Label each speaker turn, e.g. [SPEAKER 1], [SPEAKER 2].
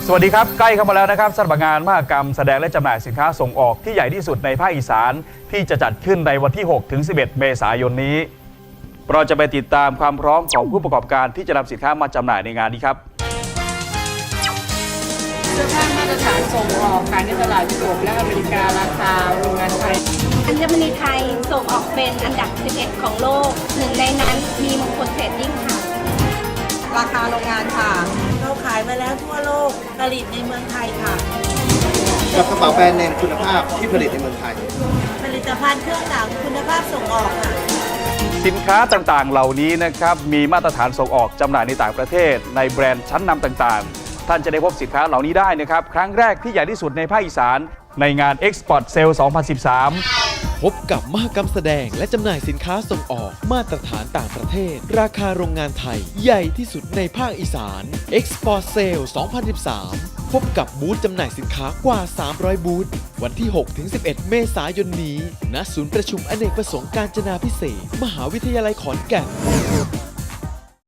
[SPEAKER 1] สวัสดีครับใกล้เข้ามาแล้วนะครับสำหรับงานมหกรรมแสดงและจำหน่ายสินค้าส่งออกที่ใหญ่ที่สุดในภาคอีสานที่จะจัดขึ้นในวันที่ 6-11 เมษายนนี้เราจะไปติดตามความพร้อมของผู้ประกอบการที่จะนำสินค้ามาจำหน่ายในงานนี้ครับ
[SPEAKER 2] เสื้อผ้ามาตรฐานส่งออกขายในตลาดยุโรปและอเมริการาคาโรงงานไทย
[SPEAKER 3] อัญมณีไทยส่งออกเป็นอันดับ 11 ของโลกหนึ่งในนั้นมีมงคลเทรดดิ้งค่ะ
[SPEAKER 2] ราคาโรงงานค่ะ
[SPEAKER 4] เราขายมาแล้วทั่วโลกผลิตในเมืองไทยค่ะ
[SPEAKER 5] กับกระเป๋าแบรนด์เนมคุณภาพที่ผลิตในเมืองไทย
[SPEAKER 4] ผลิตภัณฑ์เครื่องหนังคุณภาพส่งออกค่ะ
[SPEAKER 1] สินค้าต่างๆเหล่านี้นะครับมีมาตรฐานส่งออกจำหน่ายในต่างประเทศในแบรนด์ชั้นนำต่างๆท่านจะได้พบสินค้าเหล่านี้ได้นะครับครั้งแรกที่ใหญ่ที่สุดในภาคอีสานในงาน Export Sale 2013
[SPEAKER 6] พบกับมหกรรมแสดงและจำหน่ายสินค้าส่งออกมาตรฐานต่างประเทศราคาโรงงานไทยใหญ่ที่สุดในภาคอีสาน Export Sale 2013 พบกับบูธจำหน่ายสินค้ากว่า 300 บูธวันที่ 6-11 เมษายนนี้ณศูนย์ประชุมอเนกประสงค์กาญจนาภิเษกมหาวิทยาลัยขอนแก่น